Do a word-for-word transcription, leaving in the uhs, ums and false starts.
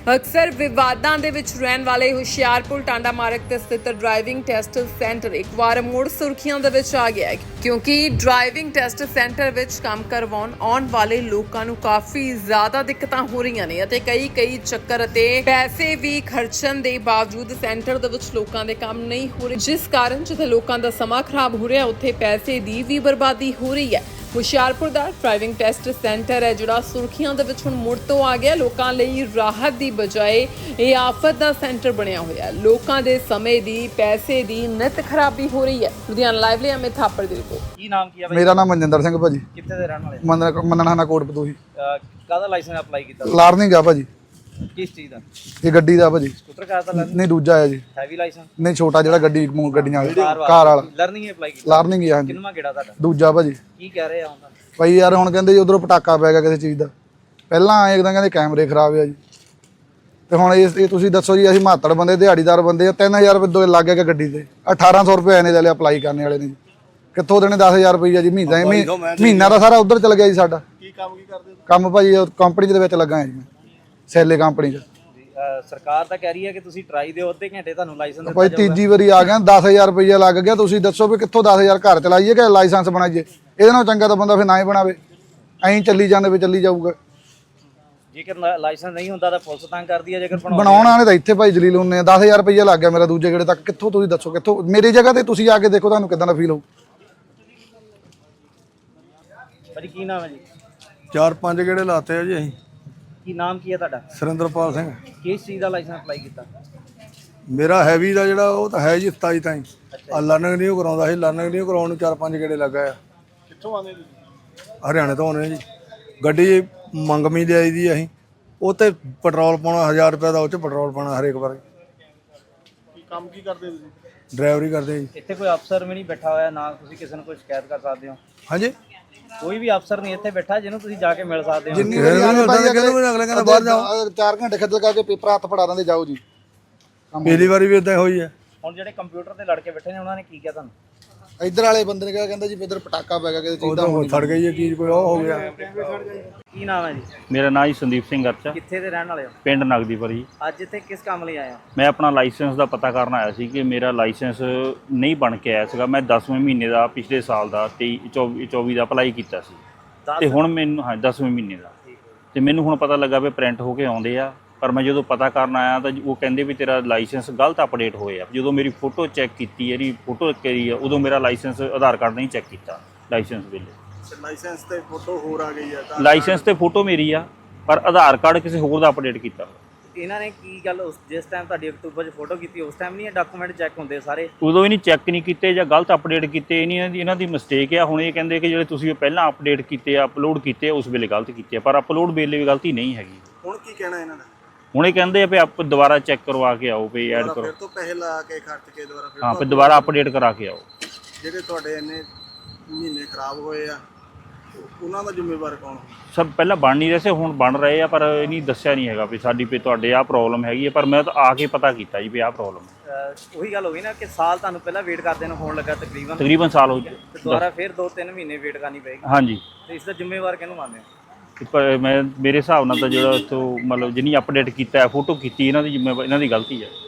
ਅਕਸਰ ਵਿਵਾਦਾਂ ਦੇ ਵਿੱਚ ਰਹਿਣ ਵਾਲੇ ਹੁਸ਼ਿਆਰਪੁਰ ਟਾਂਡਾ ਮਾਰਗ ਤੇ ਸਥਿਤ ਡਰਾਈਵਿੰਗ ਟੈਸਟ ਸੈਂਟਰ ਇੱਕ ਵਾਰ ਮੁੜ ਸੁਰਖੀਆਂ ਦੇ ਵਿੱਚ ਆ ਗਿਆ ਹੈ ਕਿਉਂਕਿ ਡਰਾਈਵਿੰਗ ਟੈਸਟ ਸੈਂਟਰ ਵਿੱਚ ਕੰਮ ਕਰਵਾਉਣ ਆਉਣ ਵਾਲੇ ਲੋਕਾਂ ਨੂੰ ਕਾਫੀ ਜ਼ਿਆਦਾ ਦਿੱਕਤਾਂ ਹੋ ਰਹੀਆਂ ਨੇ ਅਤੇ ਕਈ ਕਈ ਚੱਕਰ ਅਤੇ ਪੈਸੇ ਵੀ ਖਰਚਣ ਦੇ ਬਾਵਜੂਦ ਸੈਂਟਰ ਦੇ ਵਿੱਚ ਲੋਕਾਂ ਦੇ ਕੰਮ ਨਹੀਂ ਹੋ ਰਹੇ, ਜਿਸ ਕਾਰਨ ਜਿੱਥੇ ਲੋਕਾਂ ਦਾ ਸਮਾਂ ਖਰਾਬ ਹੋ ਰਿਹਾ ਉੱਥੇ ਪੈਸੇ ਦੀ ਵੀ ਬਰਬਾਦੀ ਹੋ ਰਹੀ ਹੈ। ਹੁਸ਼ਿਆਰਪੁਰ ਦਾ ਡਰਾਈਵਿੰਗ ਟੈਸਟ ਸੈਂਟਰ ਹੈ ਜਿਹੜਾ ਸੁਰਖੀਆਂ ਦੇ ਵਿੱਚ ਹੁਣ ਮੁੜ ਤੋਂ ਆ ਗਿਆ। ਲੋਕਾਂ ਲਈ ਰਾਹਤ ਦੀ ਬਜਾਏ ਇਹ ਆਫਤ ਦਾ ਸੈਂਟਰ ਬਣਿਆ ਹੋਇਆ ਹੈ। ਲੋਕਾਂ ਦੇ ਸਮੇਂ ਦੀ ਪੈਸੇ ਦੀ ਨਿਤ ਖਰਾਬੀ ਹੋ ਰਹੀ ਹੈ। ਲੁਧਿਆਣਾ ਲਾਈਵ ਲਈ ਅਮਿਤ ਥਾਪੜ ਦੀ ਰਿਪੋਰਟ। ਕੀ ਨਾਮ ਕੀ ਹੈ ਬਾਈ? ਮੇਰਾ ਨਾਮ ਮਨਜਿੰਦਰ ਸਿੰਘ ਭਾਜੀ। ਕਿੱਥੇ ਦੇ ਰਹਿਣ ਵਾਲੇ? ਮੰਨਣਾ ਮੰਨਣਾ ਕੋਟ ਪਤੂਹੀ। ਕਾਹਦਾ ਲਾਇਸੈਂਸ ਅਪਲਾਈ ਕੀਤਾ? ਲਾਰਨਿੰਗ ਆ ਭਾਜੀ। ਕਿਸ ਚੀਜ਼ ਦਾ? ਇਹ ਗੱਡੀ ਦਾ ਭਾਜੀ। ਸਕੂਟਰ ਕਾਰ ਦਾ ਲਰਨਿੰਗ? ਨਹੀਂ ਦੂਜਾ ਹੈ ਜੀ। Heavy licence? ਨਹੀਂ ਛੋਟਾ ਜਿਹੜਾ ਗੱਡੀ ਗੱਡੀਆਂ ਵਾਲਾ ਕਾਰ ਵਾਲਾ ਲਰਨਿੰਗ ਅਪਲਾਈ ਕੀਤਾ? ਲਾਰਨਿੰਗ ਹੀ ਆ ਹਾਂਜੀ। ਕਿੰਨਵਾਂ ਗੇੜਾ ਤੁਹਾਡਾ? ਦੂਜਾ ਭਾਜੀ। ਕੀ ਕਹਿ ਰਹੇ ਆ ਹੁਣ? ਭਾਈ ਯਾਰ ਹੁਣ ਕਹਿੰਦੇ ਜੀ ਉਧਰੋਂ ਪਟਾਕਾ ਪੈ ਗਿਆ ਕਿਸੇ ਚੀਜ਼ ਦਾ। ਪਹਿਲਾਂ ਆਏ ਇੱਕਦਮ ਕਹਿੰਦੇ ਕੈਮਰੇ ਖਰਾਬ ਆ ਜੀ, ਤੇ ਹੁਣ ਇਹ ਇਹ ਤੁਸੀਂ ਦੱਸੋ ਜੀ, ਅਸੀਂ ਮਾਤੜ ਬੰਦੇ ਦਿਹਾੜੀਦਾਰ ਬੰਦੇ ਆ, ਤਿੰਨ ਹਜ਼ਾਰ ਰੁਪਏ ਦੋ ਲੱਗ ਗਿਆ ਗੱਡੀ ਤੇ। ਅਠਾਰਾਂ ਸੌ ਰੁਪਏ ਇਹਨੇ ਲੈ ਲਿਆ ਅਪਲਾਈ ਕਰਨ ਵਾਲੇ ਨੇ ਜੀ। ਕਿੱਥੋਂ ਦੇਣੇ ਦਸ ਹਜ਼ਾਰ ਰੁਪਈਆ ਜੀ ਮਹੀਨਾ? ਮਹੀਨਾ ਦਾ ਸਾਰਾ ਉਧਰ ਚਲ ਗਿਆ ਜੀ ਸਾਡਾ। ਕੀ ਕੰਮ ਕੀ ਕਰਦੇ? ਕੰਮ ਭਾਜੀ ਕੰਪਨੀ ਦੇ ਵਿੱਚ ਲੱਗਾ ਜੀ ਮੈਂ, ਸੈਲੇ ਕੰਪਨੀ 'ਚ। ਸਰਕਾਰ ਤਾਂ ਕਹਿ ਰਹੀ ਹੈ ਕਿ ਤੁਸੀਂ ਟਰਾਈ ਦਿਓ, ਅੱਧੇ ਘੰਟੇ ਤੁਹਾਨੂੰ ਲਾਇਸੈਂਸ ਦਿੱਤਾ ਭਾਈ ਤੀਜੀ ਵਾਰੀ ਆ ਗਿਆ, ਦਸ ਹਜ਼ਾਰ ਰੁਪਈਆ ਲੱਗ ਗਿਆ। ਤੁਸੀਂ ਦੱਸੋ ਵੀ ਕਿੱਥੋਂ ਦਸ ਹਜ਼ਾਰ ਘਰ ਚਲਾਈਏ ਕਿ ਲਾਇਸੈਂਸ ਬਣਾਈਏ? ਇਹਦੇ ਨਾਲੋਂ ਚੰਗਾ ਤਾਂ ਬੰਦਾ ਫਿਰ ਨਾ ਹੀ ਬਣਾਵੇ, ਐਂ ਚੱਲੀ ਜਾਂਦੇ ਵੀ ਚੱਲੀ ਜਾਊਗਾ। ਜੇਕਰ ਲਾਇਸੈਂਸ ਨਹੀਂ ਹੁੰਦਾ ਤਾਂ ਪੁਲਿਸ ਤੰਗ ਕਰਦੀ ਹੈ, ਜੇਕਰ ਬਣਾਉਣ ਵਾਲੇ ਤਾਂ ਇੱਥੇ ਭਾਈ ਜਲੀਲ ਹੁੰਦੇ ਆ। ਦਸ ਹਜ਼ਾਰ ਰੁਪਈਆ ਲੱਗ ਗਿਆ ਮੇਰਾ ਦੂਜੇ ਗੇੜੇ ਤੱਕ। ਕਿੱਥੋਂ ਤੁਸੀਂ ਦੱਸੋ ਕਿੱਥੋਂ? ਮੇਰੀ ਜਗ੍ਹਾ ਤੇ ਤੁਸੀਂ ਆ ਕੇ ਦੇਖੋ, ਤੁਹਾਨੂੰ ਕਿੱਦਾਂ ਦਾ ਫੀਲ ਹੋਊ। ਭਾਜੀ ਕੀ ਨਾਮ ਹੈ ਜੀ? ਚਾਰ ਪੰਜ ਗੇੜੇ ਲਾਤੇ ਆ ਜੀ ਅਸੀਂ। ਕੀ ਨਾਮ ਕੀ ਹੈ ਤੁਹਾਡਾ? ਸੁਰਿੰਦਰਪਾਲ ਸਿੰਘ। ਕਿਸ ਚੀਜ਼ ਦਾ ਲਾਇਸੈਂਸ ਅਪਲਾਈ ਕੀਤਾ? ਮੇਰਾ ਹੈਵੀ ਦਾ ਜਿਹੜਾ ਉਹ ਤਾਂ ਹੈ ਜੀ ਸਤਾਈ ਤਾਈਂ। ਆ ਲਰਨਿੰਗ ਨਹੀਂ ਉਹ ਕਰਾਉਂਦਾ ਸੀ, ਲਰਨਿੰਗ ਨਹੀਂ ਕਰਾਉਣ ਨੂੰ ਚਾਰ ਪੰਜ ਗੇੜੇ ਲੱਗਾ ਆ। ਕਿੱਥੋਂ ਆਉਂਦੇ ਤੁਸੀਂ? ਹਰਿਆਣੇ ਤੋਂ ਆਉਂਦੇ ਜੀ। ਗੱਡੀ ਮੰਗਮੀ ਦੇ ਆਈ ਦੀ ਅਸੀਂ, ਉਹ ਤੇ ਪੈਟਰੋਲ ਪਾਉਣਾ ਹਜ਼ਾਰ ਰੁਪਏ ਦਾ, ਉਹ 'ਚ ਪੈਟਰੋਲ ਪਾਉਣਾ ਹਰੇਕ ਵਾਰ। ਕੀ ਕੰਮ ਕੀ ਕਰਦੇ ਤੁਸੀਂ? ਡਰਾਈਵਰੀ ਕਰਦੇ ਜੀ। ਇੱਥੇ ਕੋਈ ਅਫਸਰ ਵੀ ਨਹੀਂ ਬੈਠਾ ਹੋਇਆ ਨਾ ਤੁਸੀਂ ਕਿਸੇ ਨੂੰ ਕੋਈ ਸ਼ਿਕਾਇਤ ਕਰ ਸਕਦੇ ਹੋ? ਹਾਂਜੀ, ਕੋਈ ਵੀ ਅਫਸਰ ਨਹੀਂ ਇੱਥੇ ਬੈਠਾ ਜਿਹਨੂੰ ਤੁਸੀਂ ਜਾ ਕੇ ਮਿਲ ਸਕਦੇ ਹੋ? ਜਿੰਨੀ ਵਾਰੀ ਆਉਂਦੇ ਭਾਈ ਅਗਲੇ ਕਹਿੰਦਾ ਬਾਹਰ ਜਾਓ, ਚਾਰ ਘੰਟੇ ਖੱਜਲ ਕਰਕੇ ਪੇਪਰ ਹੱਥ ਫੜਾ ਦਿੰਦੇ, ਜਾਓ ਜੀ। ਪਹਿਲੀ ਵਾਰੀ ਵੀ ਇਦਾਂ ਹੋਈ ਹੈ। ਹੁਣ ਜਿਹੜੇ ਕੰਪਿਊਟਰ ਤੇ ਲੜਕੇ ਬੈਠੇ ਨੇ ਉਹਨਾਂ ਨੇ ਕੀ ਕਿਹਾ ਤੁਹਾਨੂੰ? ਇੱਧਰ ਵਾਲੇ ਬੰਦੇ ਨੇ ਕਿਹਾ, ਕਹਿੰਦਾ ਜੀ ਇੱਧਰ ਪਟਾਕਾ ਪੈ ਗਿਆ ਕਿਸੇ ਚੀਜ਼ ਦਾ। ਉਦੋਂ ਸੜ ਗਈ ਇਹ ਚੀਜ਼, ਕੋਈ ਉਹ ਹੋ ਗਿਆ। ਕੀ ਨਾਮ ਹੈ ਜੀ? ਮੇਰਾ ਨਾਮ ਜੀ ਸੰਦੀਪ ਸਿੰਘ ਅਰਚਾ, ਕਿੱਥੇ ਦੇ ਰਹਿਣ ਵਾਲੇ ਹੋ? ਪਿੰਡ ਨਗਦੀਪੁਰੀ। ਅੱਜ ਇੱਥੇ ਕਿਸ ਕੰਮ ਲਈ ਆਏ ਹੋ? ਮੈਂ ਆਪਣਾ ਲਾਇਸੈਂਸ ਦਾ ਪਤਾ ਕਰਨ ਆਇਆ ਸੀ ਕਿ ਮੇਰਾ ਲਾਇਸੈਂਸ ਨਹੀਂ ਬਣ ਕੇ ਆਇਆ ਸੀਗਾ। ਮੈਂ ਦਸਵੇਂ ਮਹੀਨੇ ਦਾ ਪਿਛਲੇ ਸਾਲ ਦਾ ਤੇਈ ਚੌਵੀ ਚੌਵੀ ਦਾ ਅਪਲਾਈ ਕੀਤਾ ਸੀ, ਤੇ ਹੁਣ ਮੈਨੂੰ ਹਾਂ ਦਸਵੇਂ ਮਹੀਨੇ ਦਾ, ਤੇ ਮੈਨੂੰ ਹੁਣ ਪਤਾ ਲੱਗਾ ਵੀ ਪ੍ਰਿੰਟ ਹੋ ਕੇ ਆਉਂਦੇ ਆ। ਪਰ ਮੈਂ ਜਦੋਂ ਪਤਾ ਕਰਨ ਆਇਆ ਤਾਂ ਉਹ ਕਹਿੰਦੇ ਵੀ ਤੇਰਾ ਲਾਇਸੈਂਸ ਗਲਤ ਅਪਡੇਟ ਹੋਏ ਆ। ਜਦੋਂ ਮੇਰੀ ਫੋਟੋ ਚੈੱਕ ਕੀਤੀ, ਇਹਦੀ ਫੋਟੋ ਕਰੀ ਆ, ਉਦੋਂ ਮੇਰਾ ਲਾਇਸੈਂਸ ਆਧਾਰ ਕਾਰਡ ਨਹੀਂ ਚੈੱਕ ਕੀਤਾ ਲਾਇਸੈਂਸ ਵੇਲੇ। ਲਾਇਸੈਂਸ ਤੇ ਫੋਟੋ ਹੋਰ ਆ ਗਈ ਹੈ। ਲਾਇਸੈਂਸ ਤੇ ਫੋਟੋ ਮੇਰੀ ਆ, ਪਰ ਆਧਾਰ ਕਾਰਡ ਕਿਸੇ ਹੋਰ ਦਾ ਅਪਡੇਟ ਕੀਤਾ। ਇਹਨਾਂ ਨੇ ਕੀ ਗੱਲ, ਉਸ ਜਿਸ ਟਾਈਮ ਤੁਹਾਡੀ ਅਕਤੂਬਰ 'ਚ ਫੋਟੋ ਕੀਤੀ ਉਸ ਟਾਈਮ ਨਹੀਂ ਇਹ ਡਾਕੂਮੈਂਟ ਚੈੱਕ ਹੁੰਦੇ ਸਾਰੇ? ਉਦੋਂ ਵੀ ਨਹੀਂ ਚੈੱਕ ਨਹੀਂ ਕੀਤੇ ਜਾਂ ਗਲਤ ਅਪਡੇਟ ਕੀਤੇ। ਇਹਨਾਂ ਦੀ ਇਹਨਾਂ ਦੀ ਮਿਸਟੇਕ ਆ। ਹੁਣ ਇਹ ਕਹਿੰਦੇ ਕਿ ਜਿਹੜੇ ਤੁਸੀਂ ਪਹਿਲਾਂ ਅਪਡੇਟ ਕੀਤੇ ਆ, ਅਪਲੋਡ ਕੀਤੇ ਉਸ ਵੇਲੇ ਗਲਤ ਕੀਤੇ ਆ, ਪਰ ਅਪਲੋਡ ਵੇਲੇ ਵੀ ਗਲਤੀ ਨਹੀਂ ਹੈਗੀ। ਹੁਣ ਕੀ ਕਹਿਣਾ ਇਹਨਾਂ ਦਾ? ਹੁਣ ਇਹ ਕਹਿੰਦੇ ਆ ਵੀ ਆਪ ਦੁਬਾਰਾ ਚੈੱਕ ਕਰਵਾ ਕੇ ਆਓ, ਵੀ ਐਡ ਕਰੋ। ਫਿਰ ਤੋਂ ਪੈਸੇ ਲਾ ਕੇ ਖਰਚ ਕੇ ਦੁਬਾਰਾ ਫਿਰ ਹਾਂ, ਫਿਰ ਦੁਬਾਰਾ ਅਪਡੇਟ ਕਰਾ ਕੇ ਆਓ। ਜਿਹੜੇ ਤੁਹਾਡੇ ਇੰਨੇ ਮਹੀਨੇ ਖਰਾਬ ਹੋਏ ਆ, ਉਹਨਾਂ ਦਾ ਜ਼ਿੰਮੇਵਾਰ ਕੌਣ? ਸਭ ਪਹਿਲਾਂ ਬਣ ਨਹੀਂ ਰਹੇ ਸੀ, ਹੁਣ ਬਣ ਰਹੇ ਆ, ਪਰ ਇਹ ਨਹੀਂ ਦੱਸਿਆ ਨਹੀਂ ਹੈਗਾ ਵੀ ਸਾਡੀ ਵੀ ਤੁਹਾਡੇ ਆਹ ਪ੍ਰੋਬਲਮ ਹੈਗੀ ਹੈ। ਪਰ ਮੈਂ ਤਾਂ ਆ ਕੇ ਪਤਾ ਕੀਤਾ ਜੀ ਵੀ ਆਹ ਪ੍ਰੋਬਲਮ ਹੈ। ਉਹੀ ਗੱਲ ਹੋ ਗਈ ਨਾ ਕਿ ਸਾਲ ਤੁਹਾਨੂੰ ਪਹਿਲਾਂ ਵੇਟ ਕਰਦੇ ਨੂੰ ਹੋਣ ਲੱਗਾ ਤਕਰੀਬਨ ਤਕਰੀਬਨ ਸਾਲ ਹੋ ਤੇ ਦੁਬਾਰਾ ਫਿਰ ਦੋ ਤਿੰਨ ਮਹੀਨੇ ਵੇਟ ਕਰਨੀ ਪਏਗੀ। ਹਾਂਜੀ, ਤੇ ਇਸ ਦਾ ਜ਼ਿੰਮੇਵਾਰ ਕਿਹਨੂੰ ਮੰਨਦੇ ਹੋ? ਪਰ ਮੈਂ ਮੇਰੇ ਹਿਸਾਬ ਨਾਲ ਤਾਂ ਜਿਹੜਾ ਇੱਥੋਂ ਮਤਲਬ ਜਿੰਨੀ ਅਪਡੇਟ ਕੀਤਾ, ਫੋਟੋ ਕੀਤੀ, ਇਹਨਾਂ ਦੀ ਜ਼ਿੰਮੇਵਾਰੀ ਇਹਨਾਂ ਦੀ ਗਲਤੀ ਹੈ।